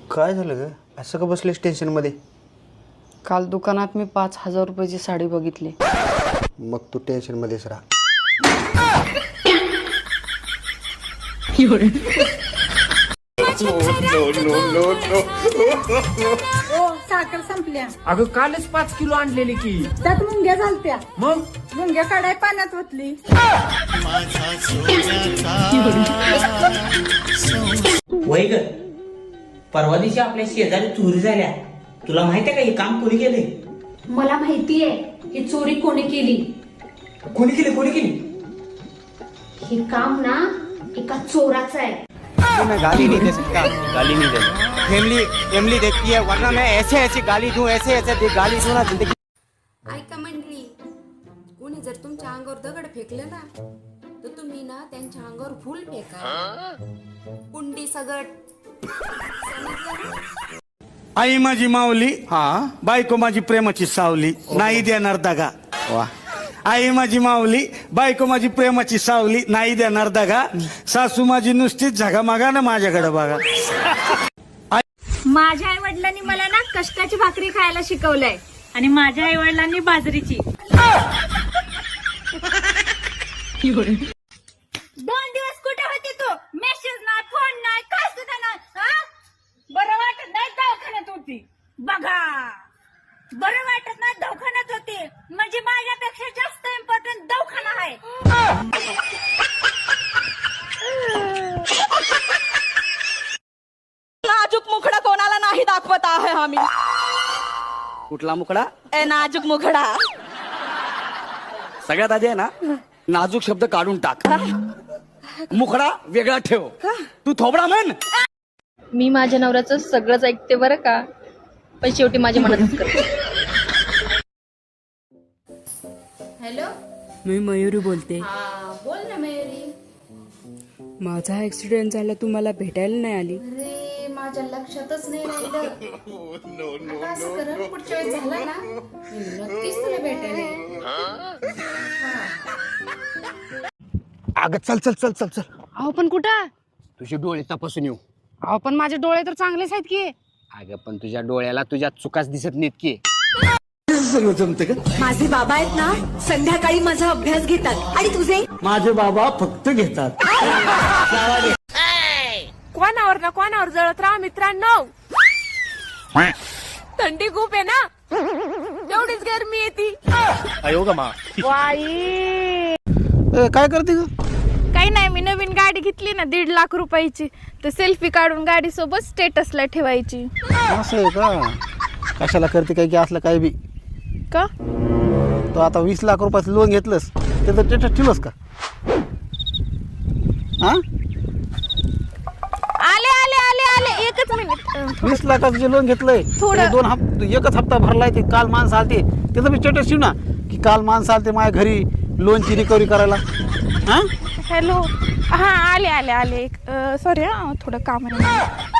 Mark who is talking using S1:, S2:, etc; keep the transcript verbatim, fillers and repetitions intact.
S1: काय झालं ग? असं का बसलेस टेन्शन मध्ये?
S2: काल दुकानात मी पाच हजार रुपयाची साडी बघितली.
S1: मग तू टेन्शन मध्येच राहा.
S3: साखर संपल्या.
S4: अगं कालच पाच किलो आणलेली की.
S3: त्यात मुंग्या झालत्या.
S4: मग
S3: मुंग्या काढाय पाण्यात ओतली.
S5: वय ग, परवा दिवशी आपल्या शेजारी चोरी झाल्या. तुला माहितीये का हे काम कोणी केले?
S6: मला माहितीये ही चोरी कोणी केली.
S5: कोणी केली कोणी केली?
S6: हे काम ना एका चोराचं आहे.
S7: मैं गाली नहीं दे सकता. गाली नहीं दे. फैमिली फैमिली देखती है, वरना मैं ऐसे ऐसे गाली दूं, ऐसे ऐसे दे गाली दूं ना जिंदगी.
S8: ऐका मंडळी, कोणी जर तुमच्या अंगावर दगड फेकले ना तर तुम्ही ना त्यांच्या अंगावर फुल फेका. कुंडी सगट.
S9: आई माझी माऊली, हा बायको माझी प्रेमाची सावली, नाही देणार दगा. वा. आई माझी माऊली, बायको माझी प्रेमाची सावली, नाही देणार दगा. सासू माझी नुसतीच झगामागा ना माझ्याकडे बघा.
S10: माझ्या आई वडिलांनी मला ना कष्टाची भाकरी खायला शिकवलंय आणि माझ्या आई वडिलांनी बाजरीची. दोन दिवस कुठे होती तू? मेसेज नाही, फोन नाही, काय सुद्धा नाही. बरं वाटत नाही दवाखान्यात होती. बघा, बरं वाटत नाही दवाखान्यात होती म्हणजे माझ्यापेक्षा जास्त इम्पॉर्टंट दवाखाना आहे.
S3: नाजूक मुखडा कोणाला नाही दाखवत आहे आम्ही.
S7: कुठला मुकडा?
S3: ए नाजूक मुखडा.
S7: सगळ्यात आधी आहे ना नाजूक शब्द काढून टाक. मुखडा वेगळा ठेव. तू थोबडा म्हण.
S10: मी माझ्या नवऱ्याचं सगळंच ऐकते बरं का, पण शेवटी माझ्या मनातच करते.
S8: हॅलो,
S2: मी मयुरी बोलते.
S8: हा बोल ना मयुरी.
S2: माझा ऍक्सिडेंट झाला, तू मला भेटायला नाही आली.
S8: अरे माझ्या लक्षातच नाही राहिलं. आता असं कर, पुढच्या वेळेस झाला ना मी नक्कीच तुला भेटायला येईन.
S1: अगं चल चल चल चल चल.
S2: अहो पण कुठं?
S7: तुझे डोळे तपासून येऊ.
S2: अहो पण माझे डोळे तर चांगलेच आहेत की.
S7: अगं पण तुझ्या डोळ्याला तुझ्या चुकाच दिसत नाहीत की.
S1: जमते का?
S3: माझे बाबा आहेत ना संध्याकाळी माझा अभ्यास घेतात. आणि तुझे?
S1: माझे बाबा फक्त घेतात.
S10: कोणावर ना कोणावर जळत राहा मित्रांनो. थंडी खूप आहे ना, तेवढीच गरमी येते.
S1: काय करते ग?
S10: काही नाही, मी नवीन गाडी घेतली ना दीड लाख रुपयाची, तर सेल्फी काढून गाडी सोबत स्टेटसला ठेवायची.
S1: असं आहे का? कशाला करते काय की असलं काय बी
S10: का?
S1: तो आता वीस लाख रुपयाचं लोन घेतलंस त्याचं स्टेटस ठेवलंस का? हा,
S10: आले आले आले आले एकच मिनिट.
S1: वीस लाखाचं जे लोन घेतलंय
S10: थोडं-
S1: ते दोन हप्ते एकच हप्ता भरलाय. ते काल माणसं आलते त्याचं बी स्टेटस ठेव ना की काल माणसं आलते माझ्या घरी लोनची रिकव्हरी करायला. हा,
S10: हॅलो, हा आले आले आले. सॉरी हा, थोडं काम आहे.